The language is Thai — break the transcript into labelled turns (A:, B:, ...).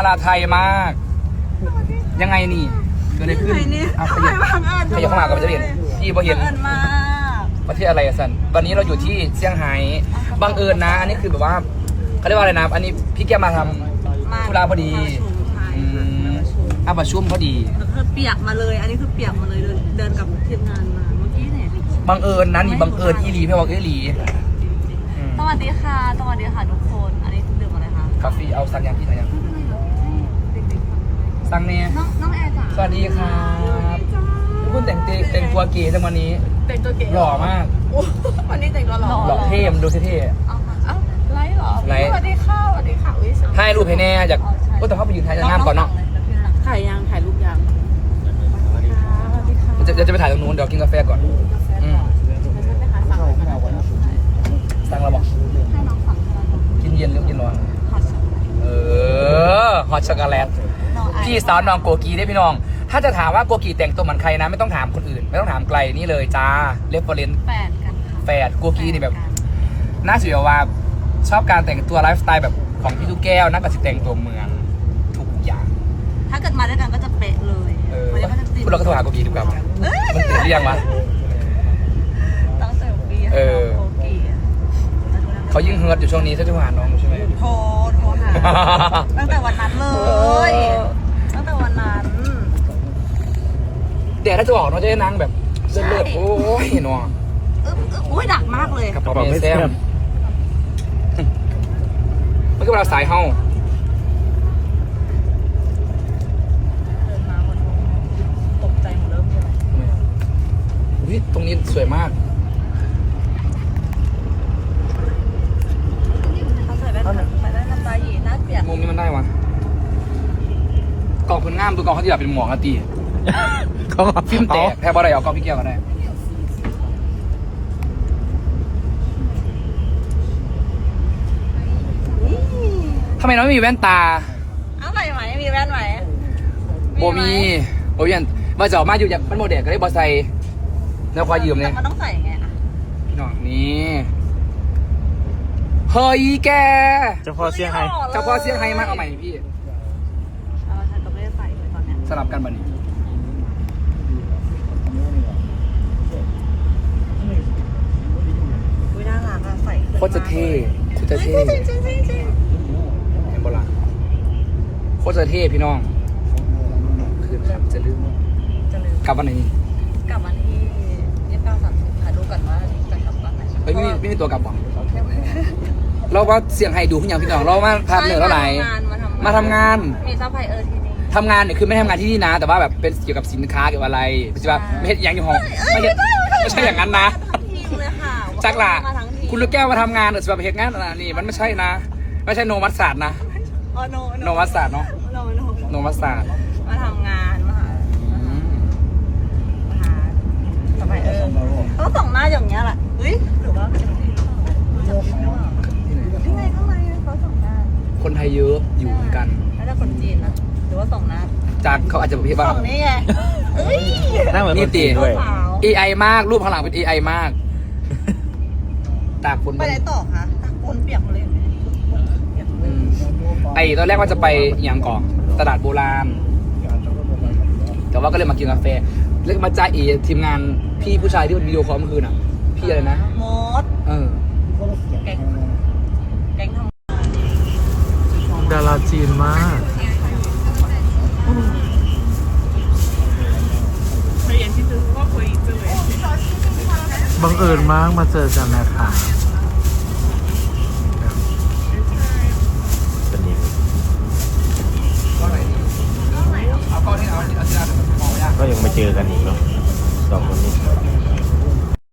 A: าไทยมากยังไงนี่เกิดอะไรขึ้นเอาขยับเข้ามากับจะเห็นพี่พอเห็นประเทศอะไรสันวันนี้เราอยู่ที่เซี่ยงไฮ้บังเอิญนะอันนี้คือแบบว่าเขาเรียกว่าอะไรนะอันนี้พี่แกมาทำธุระพอดีประชุมพอดี
B: เปียกมาเลยอันนี้คือเปียกมาเลยเดินกับทีมงานมาเมื่อกี้เนี่ย
A: บังเอิญนะนี่บังเอิญอีหลีไม่บอกอีหลี
B: สวัสดีค่ะสวัสดีค่ะทุกคนอันนี้ดื่มอะไรคะ
A: กาแฟเอาสั่งยังพี่สั่งยังสั่งเนี่ย
B: น้องแอร์จ้ะ
A: สวัสดีครับคุณแต่งตัวเก๋จังวันนี้
B: แต่งตัวเก๋
A: หล่อมาก
B: วันนี้แต่งตัวหล่อ
A: เท่มันดูเท่
B: ไลฟ์หรอสวัสดีค่ะสวัสดีค่ะ
A: ให้รูปให้แน่จากก็แต่เขาไปยืนถ่ายงามก่อนเนาะ
B: ถ่ายรูปยัง
A: จะไปถ่ายตรงนู้นเดี๋ยวกินกาแฟก่อนสั่งแล้วบอกกินเย็นหรือกินร้อนฮอตช็อกโกแลตพี่สาวน้องโกกีได้พี่น้องถ้าจะถามว่าโกกีแต่งตัวเหมือนใครนะไม่ต้องถามคนอื่นไม่ต้องถามไกลนี่เลยจ้าเรฟเฟอเรนซ์แฝดโกกีนี่แบบน่าเสียว่าชอบการแต่งตัวไลฟ์สไตล์แบบของพี่ลูกแก้วนักการแต่งตัวเมืองทุกอย่าง
B: ถ้าเกิดมาด้วยกันก็จะเป๊ะเลย
A: พวกเราก็โทรหาโกกีดีกว่ามันติดเรียงวะ
B: ตั้งแต่ปีโกกี
A: เขายิ่งเฮิร์ตอยู่ช่วงนี้ใช่ไหมน้องใช่ไหม
B: โทรหาตั้งแต่วันนั้นเลยตั้งแต่วันนั้น
A: เดี๋ยวถ้าจะบอกน้องจะได้นั่งแบบเลือดโอ้ยน้อง
B: อุ้ยดักมากเลย
A: กระเป๋าไม่แซมมันก็เวลาสายเฮา
B: ตกใจหมดเริ่มเลย
A: ตรงนี้สวยมากมุมนี้มันได้วะกล่องคนงามตัวกล่องเขาที่แบบเป็นหมวกตีฟิล์มแตกแทบอะไรเอากล่องพี่เกียวก็ได้ทำไมน้องไม่มีแว่นตา
B: เอาใหม่ไหมมีแว่นไหม
A: โบมีมาเจาะมาอยู่จากมันโมเดลก็ได้บอไซแล้วควายยืมเนี่ย
B: มันต้องใส่ไง
A: พี่น้องนี่เฮ้ยแก
C: เจ้าพ่อเซี่ยงไฮ้
A: มากเอาใหม่พี่
B: ฉันก็ไม่ได้ใส่เลยตอนนี้
A: สลับกันบัดนี้
B: น่ารักอะใส่
A: โคตรจะเท่เห็นบ่ล่ะโคตรจะเท่พี่น้องคืนครับจะลืมกลับวันไหนนี่
B: กลับวันที่29-30ถ่ายรูปกันว่าจะกลับวันไหน
A: เฮ้ยไม่มีตัวกลับบ้างเราว่าเสียงไฮดูขึ้นอย่างพี่น้องเรามาพาเหนือแล้วไหนมาทำงาน
B: มีซัพพลายเออร์ที่นี่
A: ทำงานเนี่ยคือไม่ทำงานที่นี่นะแต่ว่าแบบเป็นเกี่ยวกับสินค้าเกี่ยวกับอะไรไม่ใช่ว่าไม่ใช่อย่างอยู่ห้องไม่ใช่อย่างนั้นนะจักล่ะคุณลูกแก้วมาทำงานหรือแบบเหตุงานนี่มันไม่ใช่นะไม่ใช่โนมัสศาสตร์นะโนมัสศาสตร์เนาะโนมัสศาสตร์
B: มาทำงานมาหาซัพพลายเออร์เขาส่งหน้าอย่างเงี้ยแหละหรือว่าที่ไหนข้างในเขาส่งหน้า
A: คนไทยเยอะอยู่เหมือนกัน
B: แล้วถ้าคนจีนนะหรือว่าส่งหน้า
A: จากเขาอาจจะพี่บ้าง
B: ส่งนี่ไง
A: นี่ตีด้วย AI มากรูปข้างหลังเป็น AI มากตากฝน
B: ไปไหนต่อคะตากฝนเปียกเลย
A: ตอนแรกว่าจะไปอย่างก่อนตลาดโบราณแต่ว่าก็เลยมากินกาแฟแล้วมาจ่ายทีมงานพี่ผู้ชายที่เป็นวิดีโอคอลเมื่อคืนอ่ะพี่อะไรนะ
B: มดแก๊งทำ
C: ดาราจีนมากบังเอิญมากมาเจอกันนะคะ